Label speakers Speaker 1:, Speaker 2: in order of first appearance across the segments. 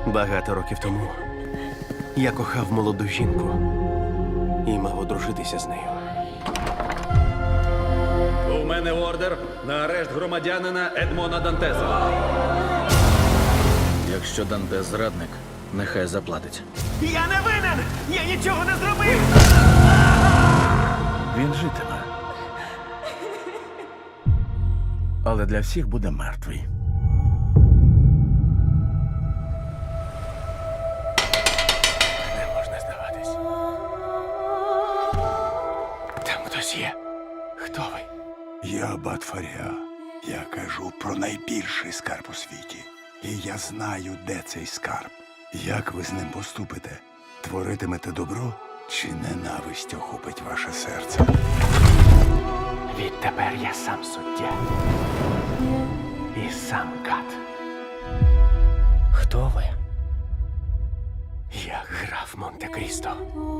Speaker 1: Багато років тому я кохав молоду жінку і мав одружитися з нею.
Speaker 2: У мене ордер на арешт громадянина Едмона Дантеса. Якщо Дантес зрадник, нехай заплатить.
Speaker 1: Я не винен! Я нічого не зробив!
Speaker 3: Він житиме. Але для всіх буде мертвий.
Speaker 1: Не можна здаватись. Там хтось є. Хто ви?
Speaker 4: Я Аббат Фаріа. Я кажу про найбільший скарб у світі. І я знаю, де цей скарб. Як ви з ним поступите? Творитимете добро чи ненависть охопить ваше серце?
Speaker 1: Відтепер я сам суддя. І сам кат. Хто ви? Я граф Монте-Крісто.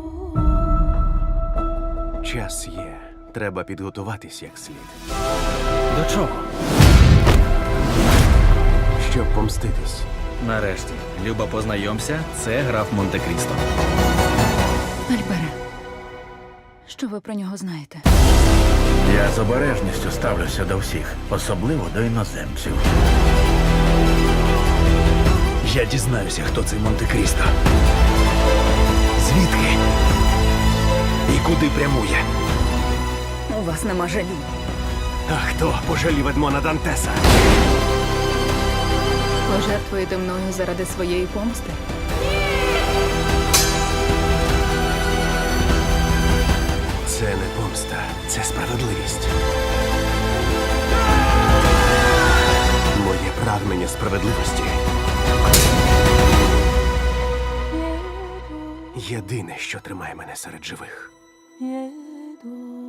Speaker 1: Час є. Треба підготуватись як слід.
Speaker 2: До чого?
Speaker 1: Щоб помститись.
Speaker 2: Нарешті, Люба, познайомся, це граф Монте-Крісто.
Speaker 5: Альбере, що ви про нього знаєте?
Speaker 3: Я з обережністю ставлюся до всіх, особливо до іноземців.
Speaker 1: Я дізнаюся, хто цей Монте-Крісто. Звідки? І куди прямує?
Speaker 5: У вас нема жалю.
Speaker 1: А хто пожалів Едмона Дантеса?
Speaker 5: Пожертвуєте мною заради своєї помсти?
Speaker 1: Це не помста, це справедливість. Моє прагнення справедливості єдине, що тримає мене серед живих.